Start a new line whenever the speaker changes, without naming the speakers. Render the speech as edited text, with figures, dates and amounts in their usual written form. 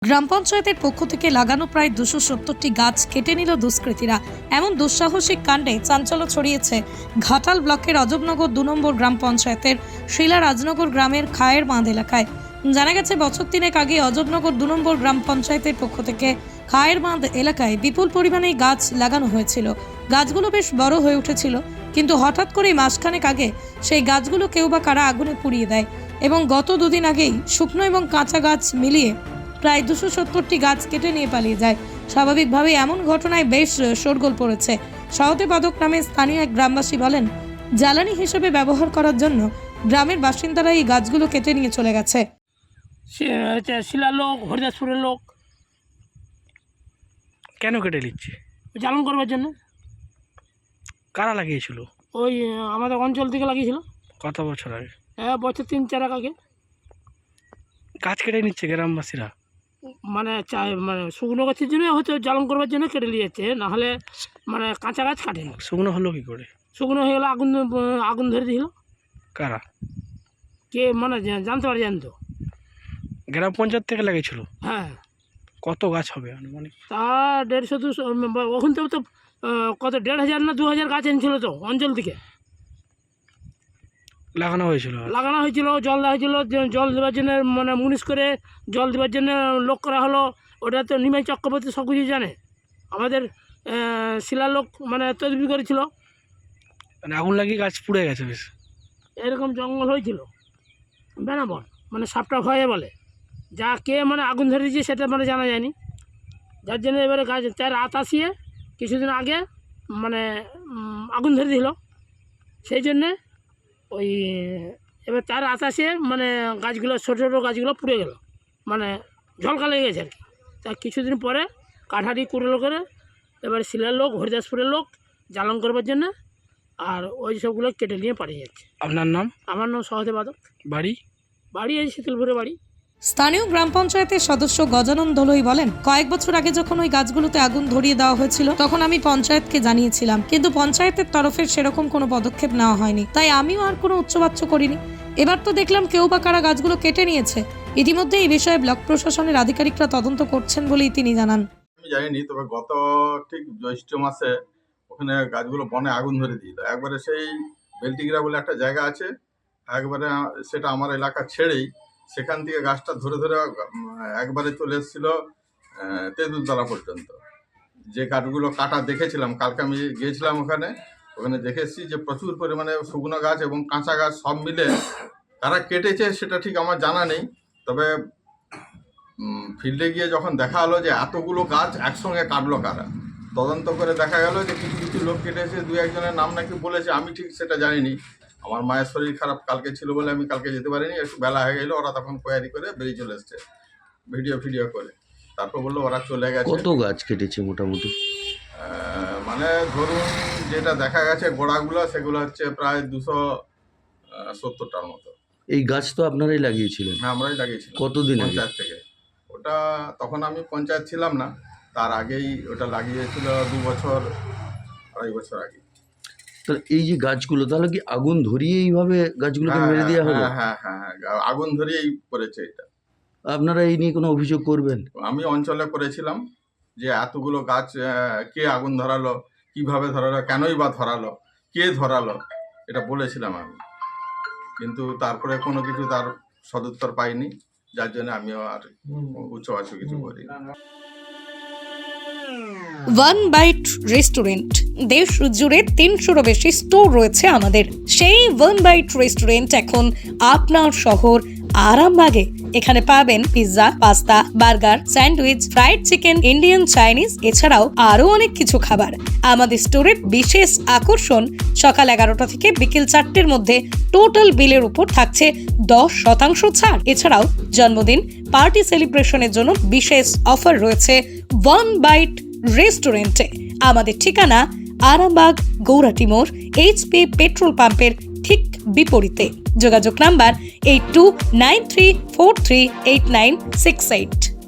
গ্রাম পঞ্চায়েতের পক্ষ থেকে লাগানো প্রায় 270টি গাছ কেটে নিল দুষ্কৃতীরা। এমন দুঃসাহসিক কাণ্ডে চাঞ্চল্য ছড়িয়েছে ঘাটাল ব্লকের অজবনগর 2 নম্বর গ্রাম পঞ্চায়েতের শিলা রাজনগর গ্রামের খায়ের বাঁধ এলাকায়। জানা গেছে বছর 3 আগে অজবনগর 2 নম্বর গ্রাম পঞ্চায়েতের পক্ষ থেকে খায়ের বাঁধ এলাকায় বিপুল পরিমাণে গাছ লাগানো হয়েছিল। গাছগুলো বেশ বড় হয়ে উঠেছিল, কিন্তু হঠাৎ করেই মাসখানেক আগে সেই গাছগুলো কেউ বা কারা আগুনে পুড়িয়ে দেয় এবং গত 2 দিন আগেই শুকনো এবং কাঁচা গাছ মিলিয়ে প্রায় 270টি গাছ কেটে নিয়ে পালিয়ে যায়। স্বাভাবিকভাবেই এমন ঘটনায় বেশ শোরগোল পড়েছে। সহতে পাদক নামে স্থানীয় এক গ্রামবাসী বলেন, জ্বালানি হিসেবে ব্যবহার করার জন্য গ্রামের বাসিন্দারা এই গাছগুলো কেটে নিয়ে চলে গেছে।
শিলার লোক, হরিদাসপুরের লোক
কেন কেটে নিচ্ছে?
জ্বালন করবার জন্য।
কারা লাগিয়েছিল?
ওই আমাদের অঞ্চল থেকে লাগিয়েছিল।
কত বছর আগে?
বছর 3-4 আগে।
গাছ কেটে নিচ্ছে গ্রামবাসীরা,
মানে শুকনো গাছের জন্য হয়তো জ্বালন করবার জন্য কেটে নিয়েছে, নাহলে মানে কাঁচা গাছ কাটেনি।
শুকনো হলো কি করে?
শুকনো হয়ে গেলো, আগুন ধরে দিল।
কারা?
কে মানে জানতে পারি, জানতো।
গ্রাম পঞ্চায়েত থেকে লাগিয়েছিল?
হ্যাঁ।
কত গাছ হবে আনুমানিক?
তা 150-200, ওখান থেকে তো কত 1,500 না 2,000 গাছ এনেছিল তো অঞ্চল থেকে।
লাগানো হয়েছিল?
লাগানো হয়েছিল, জল দেওয়া হয়েছিল। জল দেওয়ার জন্য মানে মুনিশ করে জল দেওয়ার জন্য লোক করা হলো। ওটা তো নিমাই চক্রবর্তী সব কিছু জানে। আমাদের শিলার লোক মানে তদবির করেছিল।
মানে আগুন লাগিয়ে গাছ পুড়ে গেছে বেশ।
এরকম জঙ্গল হয়েছিল বেনাবন, মানে সাপটা ভয়ে বলে। যা কে মানে আগুন ধরে দিয়েছে সেটা মানে জানা যায়নি। যার জন্য এবারে গাছ তার রাত আসিয়ে কিছুদিন আগে মানে আগুন ধরে দিল। সেই জন্যে ওই এবার তার আতাসে মানে গাছগুলো ছোটো ছোটো গাছগুলো পুড়ে গেল, মানে ঝলকা লেগে গেছে আর কি। তা কিছুদিন পরে কাঠারি কুড়লো করে এবার শিলার লোক, হরিদাসপুরের লোক জ্বালন করবার জন্য আর ওই সবগুলো কেটে নিয়ে পাঠিয়ে যাচ্ছে।
আপনার নাম?
আমার নাম সহতে পাদক।
বাড়ি
এই শীতলপুরে বাড়ি।
স্থানীয় গ্রাম পঞ্চায়েতের সদস্য গজানন দলুই বলেন, কয়েক বছর আগে যখন ওই গাছগুলোতে আগুন ধরিয়ে দেওয়া হয়েছিল তখন আমি পঞ্চায়েতকে জানিয়েছিলাম, কিন্তু পঞ্চায়েতের তরফের সেরকম কোনো পদক্ষেপ নেওয়া হয়নি। তাই আমিও আর কোনো উচ্চবাচ্য করিনি। এবার তো দেখলাম কেউ বা কারা গাছগুলো কেটে নিয়েছে। ইতিমধ্যে এই বিষয়ে ব্লক প্রশাসনের আধিকারিকরা তদন্ত করছেন বলেই তিনি জানান।
আমি জানিনি, তবে গত ঠিক জ্যৈষ্ঠ মাসে ওখানে গাছগুলো বনে আগুন ধরে দিল। একবারে সেই বেলটিগিরা বলে একটা জায়গা আছে, একবারে সেটা আমার এলাকা ছেড়েই সেখান থেকে গাছটা ধরে ধরে একবারে চলে এসেছিল তেঁতুলতলা পর্যন্ত। যে গাছগুলো কাটা দেখেছিলাম, কালকে আমি গিয়েছিলাম ওখানে দেখেছি যে প্রচুর পরিমাণে শুকনো গাছ এবং কাঁচা গাছ সব মিলে তারা কেটেছে সেটা ঠিক আমার জানা নেই। তবে ফিল্ডে গিয়ে যখন দেখা হলো যে এতগুলো গাছ একসঙ্গে কাটলো কারা, তদন্ত করে দেখা গেল যে কিছু কিছু লোক কেটেছে, 2-1 জনের নাম নাকি বলেছে, আমি ঠিক সেটা জানিনি। আমার মায়ের শরীর খারাপ কালকে ছিল বলে আমি কালকে যেতে পারিনি, একটু বেলা হয়ে গেলো। ওরা তখন কোয়ারি করে বেরিয়ে চলে এসছে ভিডিও করে। তারপর বললো ওরা চলে গেছে।
কত গাছ কেটেছে মোটামুটি?
মানে ধরুন যেটা দেখা গেছে গোড়াগুলো, সেগুলো হচ্ছে প্রায় 270টার মতো।
এই গাছ তো আপনারাই লাগিয়েছিলেন?
হ্যাঁ, আমরাই লাগিয়েছিলাম।
কতদিন আগে?
পঞ্চায়েত থেকে। ওটা তখন আমি পঞ্চায়েত ছিলাম না, তার আগেই ওটা লাগিয়েছিল 2-2.5 বছর আগে।
তাহলে এই যে গাছগুলো, তাহলে কি আগুন ধরিয়ে এইভাবে গাছগুলোকে মেরে দেওয়া হলো?
হ্যাঁ, আগুন ধরিয়েই করেছে এটা।
আপনারা এই নিয়ে কোনো অভিযোগ করবেন?
আমি অঞ্চলে করেছিলাম যে এতগুলো গাছ কে আগুন ধরালো, কিভাবে ধরালো, কেনই বা ধরালো, কে ধরালো, এটা বলেছিলাম আমি। কিন্তু তারপরে কোনো কিছু তার সদুত্তর পাইনি, যার জন্য আমিও আর উচ্চবাচ্য কিছু করি।
ওয়ান বাইট রেস্টুরেন্ট দেশ জুড়ে 300-রও বেশি স্টোর রয়েছে আমাদের। সেই ওয়ান বাইট রেস্টুরেন্ট এখন আপনার শহর আরামবাগে। এখানে পাবেন pizza, pasta, burger, sandwich, fried chicken, Indian, Chinese, এছাড়াও আরো অনেক কিছু খাবার। আমাদের স্টোরের বিশেষ আকর্ষণ, সকাল 11টা থেকে বিকেল 4টের মধ্যে টোটাল বিলের উপর থাকছে 10% ছাড়। এছাড়াও জন্মদিন, পার্টি সেলিব্রেশনের জন্য বিশেষ অফার রয়েছে ওয়ান বাইট রেস্টুরেন্টে। আমাদের ঠিকানা আরামবাগ গৌরাটি মোড়, HP পেট্রোল পাম্পের ঠিক বিপরীতে। যোগাযোগ নাম্বার 8293438968।